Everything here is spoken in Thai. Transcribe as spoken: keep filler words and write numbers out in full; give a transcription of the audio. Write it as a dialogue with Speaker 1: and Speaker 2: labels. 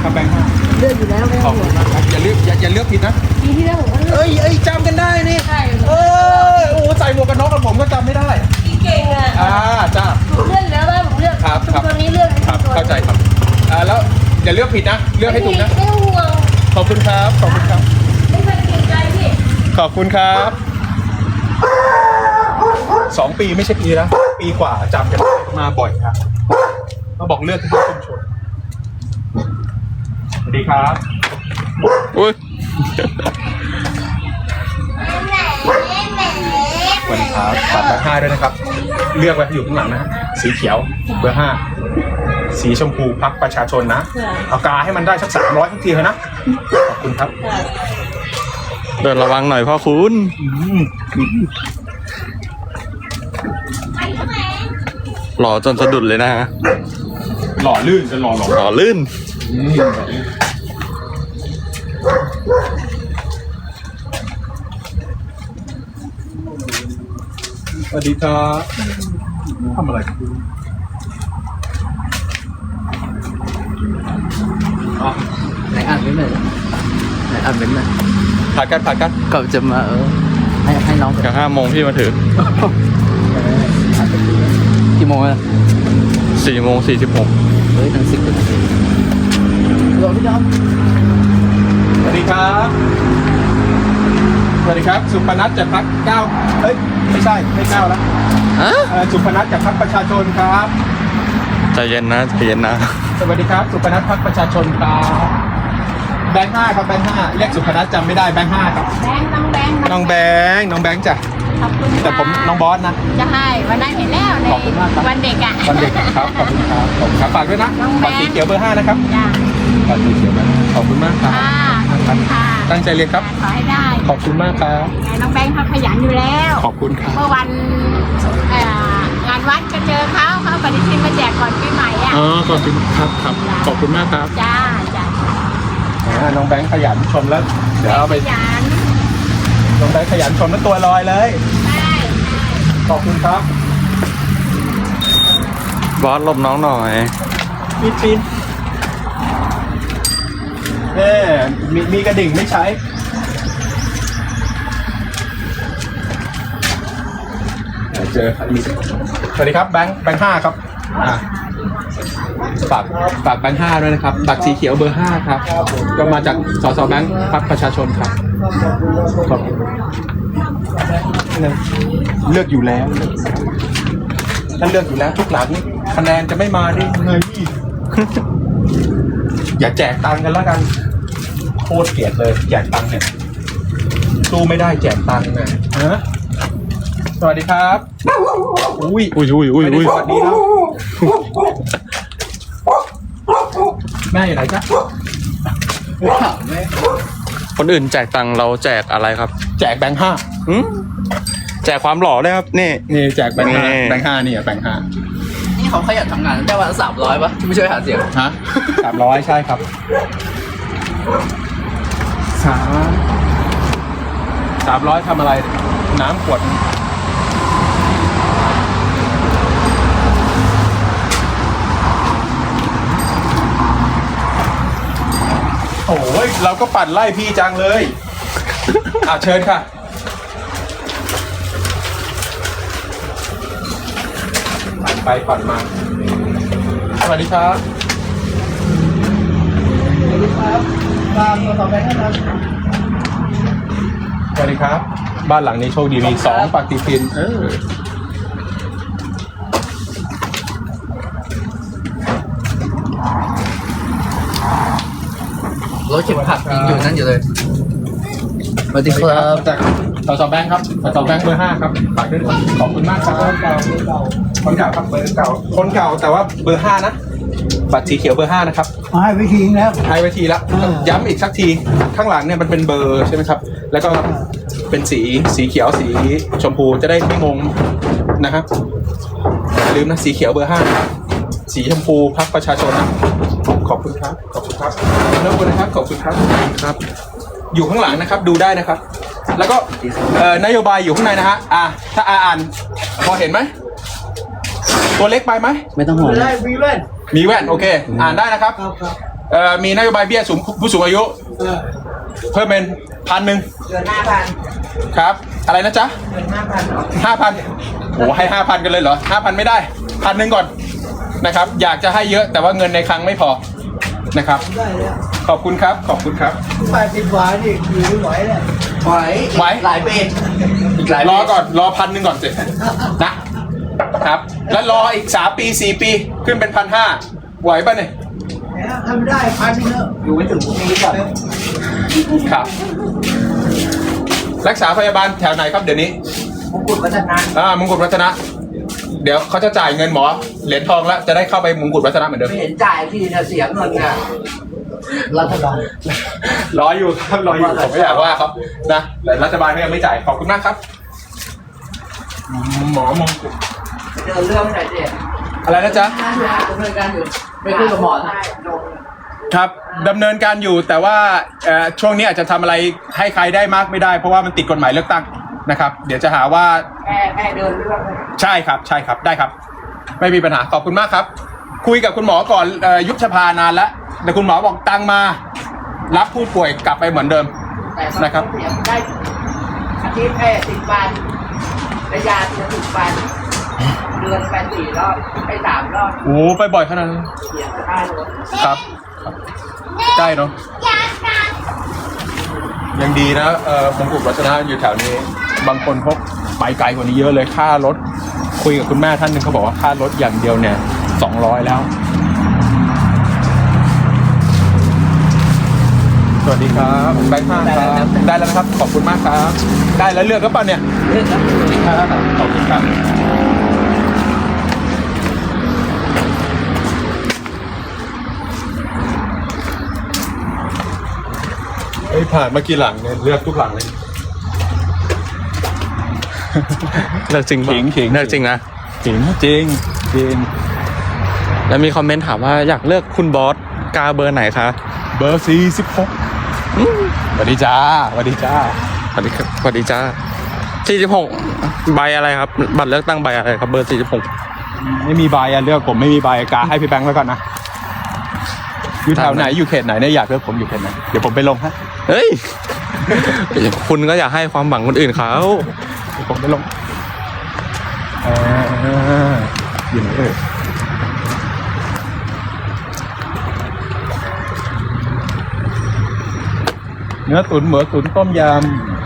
Speaker 1: ครับแบงค์ห้า
Speaker 2: เลือกอยู่แล้วไม่
Speaker 1: ข
Speaker 2: ต้
Speaker 1: อ
Speaker 2: อบ งห่
Speaker 1: คุ
Speaker 2: ว
Speaker 1: ณ
Speaker 2: ง
Speaker 1: มากครับอย่าเลือกอย่าอย่าเลือกผิดนะ
Speaker 2: ปีที่แล้วผมก็เลือก
Speaker 1: เอ้ยเอ้ยจำกันได้นี่
Speaker 2: ใช่
Speaker 1: เออโอ้ใส่หมวกกันน็อกกับผมก็จำไม่ได้
Speaker 2: เก่งอ่ะ
Speaker 1: อ่าจ้า
Speaker 2: ผมเลือกแล้วว่าผมเลือก
Speaker 1: ครับครับ
Speaker 2: ตัวนี้เลือก
Speaker 1: ครับเข้าใจครับอ่าแล้วอย่าเลือกผิดนะเลือกให้ถูกนะ
Speaker 2: ไม่ต้องห่วง
Speaker 1: ขอบคุณครับขอบคุณครับ
Speaker 2: ไม่เคยเกรงใจพี่
Speaker 1: ขอบคุณครับสองปีไม่ใช่ปีแล้วปีกว่าจำกันได้มาบ่อยครับมาบอกเลือกที่ชุมชนสวัสดีครับอุ้ยสวัสดีครับฝากเบอร์ห้าด้วยนะครับ เลือกไว้อยู่ข้างหลังนะสีเขียวเบอร์ห้าสีชมพูพรรคประชาชนนะเอากาให้มันได้สักสามร้อยทุกทีเลยนะขอบคุณครับ
Speaker 3: เดินระวังหน่อยพ่อคุณหล่อจนสะดุดเลยนะฮะ
Speaker 1: หล่อลื่นจะหล่อหล่อ
Speaker 3: หล่อลื่น
Speaker 1: สวัสดีครับทำอะไรครับอ๋อ
Speaker 4: ไหนอ่านไม่เหมือนไหนอ่านไม่เหมือน
Speaker 1: ผ่านกันผ่านกัน
Speaker 4: ก็จะมาเออให้ให้น้อง
Speaker 3: กับห้าโมงพี่มาถือ
Speaker 4: กี่โมงอ่ะ
Speaker 3: สี่โมงสี่สิบหก
Speaker 4: เฮ้ยตั้งสิบนาทีรอพี่น้อง
Speaker 1: สวัสดีครับสวัสดีครับสุพนัทจากพรรคเก้าเอ้ยไม่ใช่ไม่เก้าแล้ว
Speaker 3: ฮะ
Speaker 1: เอ่อสุพนัทจากพรรคประชาชนครับ
Speaker 3: ใจเย็นนะใจเย็นนะ
Speaker 1: สวัสดีครับสุพนัทพรรคประชาชนครับแบงค์ห้าครับแบงค์ห้าเรียกสุพนัทจำไม่ได้แบงค์ห้าครับ
Speaker 2: แบงค์น้องแบงค์
Speaker 1: น้องแบงค์น้องแบงค์จ้ะ
Speaker 2: ขอบคุณ
Speaker 1: แต่ผมน้องบอสนะ
Speaker 2: จะให้วันนั้นเห็นแล้วใน
Speaker 1: ขอบคุณมากครับ
Speaker 2: วันเด็กอ่ะ
Speaker 1: วันเด็กครับขอบคุณครับขอบคุณครับฝากด้วยนะ
Speaker 2: น้องแบ
Speaker 1: ฝาก
Speaker 2: งค์
Speaker 1: สีเขียวเบอร์ห้านะครับ
Speaker 2: จ้า
Speaker 1: ฝากสีเขียวเบอร์ห้าขอบคุณมากครับ
Speaker 2: ค่ะขอบคุณค่ะ
Speaker 1: ตั้งใจเรียนครับ
Speaker 2: ขอให้ได้
Speaker 1: ขอบคุณมากครับ
Speaker 2: ไงน้องแบงค์เขาขยันอยู่แล้ว
Speaker 1: ขอบคุณครับ
Speaker 2: เมื่อวันเอ่องานวัดก็เจอเขาเขาเอาปฏิทินมาแจกก่อนปีใหม่อ่ะ
Speaker 1: อ๋อขอบคุณครับครับขอบคุณมากครับ
Speaker 2: จ้าจ้า
Speaker 1: อ่าน้องแบงค์ขยันชมแล้วเดี๋ยวเอาไป
Speaker 2: ขยัน
Speaker 1: น้องแบงค์ขยันชมแล้วตัวลอยเลย
Speaker 2: ได้
Speaker 1: ขอบคุณครับ
Speaker 3: บอสหลบน้องหน่อย
Speaker 1: มีปีนเน่มีมีกระดิ่งไม่ใช้เดี๋ยวเจอมีสวัสดีครับแบงค์แบงค์ห้าครับอ่าฝากฝากแบงค์ห้าด้วยนะครับบัตรสีเขียวเบอร์ห้าครับก็มาจากสสแบงค์พรรคประชาชนครับขอบคุณเลือกอยู่แล้วถ้าเลือกอยู่แล้วทุกหลังคะแนนจะไม่มาได้ยังไง อย่าแจกตังค์กันแล้วกันโคตรเกลียดเลยแจกตังค์เนี่ยสู้ไม่ได้แจกตังค์นะฮะสวัสดีครับอุ้ย
Speaker 3: อุ้ยอุ้ยอุ้ย
Speaker 1: ไม่ได้
Speaker 3: อุ้ย
Speaker 1: สวัสดีแล้วแม่อยู่ไหนจ๊ะ
Speaker 4: ถามไหม
Speaker 3: คนอื่นแจกตังค์เราแจกอะไรครับ
Speaker 1: แจกแบงค์ห้า
Speaker 3: หืมแจกความหล่อเลยครับนี่
Speaker 1: นี่แจกแบงค์ห้า
Speaker 3: นี่
Speaker 1: แบงค์ห้านี่อ่ะแบงค์ห้า
Speaker 4: นี่เขาขยันทำงานได้วันละสามร้อยป่ะที่ไม่ช่วยหาเสียง
Speaker 1: ฮะสามร้อยใช่ครับสามสามร้อยทำอะไร น้ำขวดโอ้ยเราก็ปั่นไล่พี่จังเลยอ่ะเชิญค่ะปั่นไปปั่นมาสวัสดีครับสวัสดีครับตามต่อไปนะครับสวัสดีครับ บ้านหลังนี้โชคดีมีสองปฏิทินเออ
Speaker 4: รถเข็มขัดยังอยู่นั่นอยู่เลยสวัสดีครับ
Speaker 1: จากสสแบงค์ครับสสแบงค์เบอร์ห้าครับฝากด้วยนะครับขอบคุณมากครับคนเก่าคนเก่าครับเบอร์เก่าคนเก่าแต่ว่าเบอร์ห้านะบัตรสีเขียวเบอร์ห้านะครับ
Speaker 5: ให้วิธีแล้ว
Speaker 1: ให้ไว้ทีละ
Speaker 5: อ่า
Speaker 1: ย้ำอีกสักทีข้างหลังเนี่ยมันเป็นเบอร์ใช่ไหมครับ แล้วก็เป็นสีสีเขียวสีชมพูจะได้ไม่งงนะครับอย่าลืมนะสีเขียวเบอร์ห้าสีชมพูพรรคประชาชนนะขอบคุณครับขอบคุณครับแล้วคุณนะครับขอบคุณครับครับ อยู่ข้างหลังนะครับดูได้นะครับ แล้วก็เอ่อนโยบายอยู่ข้างในนะฮะอ่ะถ้าอ่านพอเห็นไหมตัวเล็กไปไหม
Speaker 4: ไม่ต้องห่วง
Speaker 5: ได้วีเล่น
Speaker 1: มีแว่นโอเค อ่านได้นะครับ
Speaker 5: ครับครับ
Speaker 1: เอ่อมีนโยบายเบี้ยสูงผู้สูงอายุ
Speaker 5: เออ
Speaker 1: เพิ่มเป็นพันหนึ่ง
Speaker 5: เดือนห้าพัน
Speaker 1: ครับ อะไรนะจ๊ะ
Speaker 5: เดือนห้าพัน
Speaker 1: ห้าพันโอ้ให้ห้าพันกันเลยเหรอห้าพันไม่ได้พันหนึ่งก่อนนะครับ อยากจะให้เยอะแต่ว่าเงินในคลังไม่พอนะครับ
Speaker 5: ได้แล้ว
Speaker 1: ขอบคุณครับขอบคุณครับ
Speaker 5: แปดสิบหวานนี่อยู่ไม่ไหวเลยไหว
Speaker 1: ไหว
Speaker 5: หลายเป็นอีกหลาย
Speaker 1: รอก่อนรอพันหนึ่งก่อนสินะครับ แล้วรออีกสามปีสี่ปีขึ้นเป็นพันห้าไหวป่ะเนี่ย
Speaker 5: ทำได้พันนึงแล้วอยู่ไม่ถึงพรุ่งนี้ก่อน
Speaker 1: ครับ รักษาพยาบาลแถวไหนครับเดี๋ยวนี้
Speaker 5: มงกุฎวัฒนา
Speaker 1: อ่ามงกุฎวัฒนะ เดี๋ยวเขาจะจ่ายเงินหมอเหรียญทองแล้วจะได้เข้าไปมงกุฎวัฒนะเหมือนเดิม
Speaker 5: ไม่เห็นจ่ายที่นะเสียเงินอ่ะรัฐบาล
Speaker 1: รออยู่ครับรออยู่ผมไม่อยากว่าครับนะแต่รัฐบาลก็ยังไม่จ่ายขอบคุณมากครับ หมอมงกุฎ
Speaker 5: เดินเรื่องไหนเจ๊
Speaker 1: อะไรนะจ๊ะ
Speaker 5: ดำเนินการอยู่ไปคุยกับหมอนะ
Speaker 1: ครับดำเนินการอยู่แต่ว่าเอ่อช่วงนี้อาจจะทำอะไรให้ใครได้มากไม่ได้เพราะว่ามันติดกฎหมายเลือกตั้งนะครับ เดี๋ยวจะหาว่า
Speaker 5: แค่แค่เดินเรื่อง
Speaker 1: ใช่ครับใช่ครับได้ครับ ไม่มีปัญหาขอบคุณมากครับ คุยกับคุณหมอก่อนเอ่อยุบสภานานแล้วแต่คุณหมอบอกตังมา รับผู้ป่วยกลับไปเหมือนเดิม
Speaker 5: แต่
Speaker 1: นะครับ
Speaker 5: เสียได้อาทิตย์แค่สิบวันระยะเดือนสิบวันเดือนไปสี่รอบไปสามรอบ
Speaker 1: โอ้ไปบ่อยขนาดนั้น
Speaker 5: เสียก็ได้เลย
Speaker 1: ครับครับได้เนาะยังดีนะเอ่อมงกุฎวัฒนะอยู่แถวนี้ บางคนพกไปไกลกว่านี้เยอะเลยค่ารถคุยกับคุณแม่ท่านหนึ่งเขาบอกว่าค่ารถอย่างเดียวเนี่ยสองร้อยแล้ว สวัสดีครับแบงค์ห้าครับได้แล้วนะครับขอบคุณมากครับ ได้แล้วเลือกก็ป่ะเนี่ย
Speaker 5: เรื่องนั้น
Speaker 1: ครับขอบคุณครับเฮ้ยผ่านมากี่หลังเนี่ยเลือกทุกหลังเลย
Speaker 3: เลิกจริงปะ
Speaker 1: ขิงขิง
Speaker 3: เลิกจริงนะ
Speaker 1: จริงจริงจริง
Speaker 3: แล้วมีคอมเมนต์ถามว่าอยากเลือกคุณบอสกาเบอร์ไหนคะ
Speaker 1: เบอร์สี่สิบหกสวัสดีจ้าสวัสดีจ้า
Speaker 3: สวัสดีครับสวัสดีจ้าสี่สิบหกใบอะไรครับ บัตรเลือกตั้งใบอะไรครับ เบอร์สี่สิบหก
Speaker 1: ไม่มีใบอะเลือกผมไม่มีใบกาให้พี่แบงค์ไว้ก่อนนะอยู่แถวไหนอยู่เขตไหนเนี่ยอยากเลือกผมอยู่เขตไหนเดี๋ยวผมไปลงฮะ
Speaker 3: เฮ้ย คุณก็อยากให้ความหวังคนอื่นเขา
Speaker 1: เดี๋ยวผมไปลงอ่าอยู่ไหนเอ่ยเนื้อตุ๋นหมูตุ๋นต้มยำ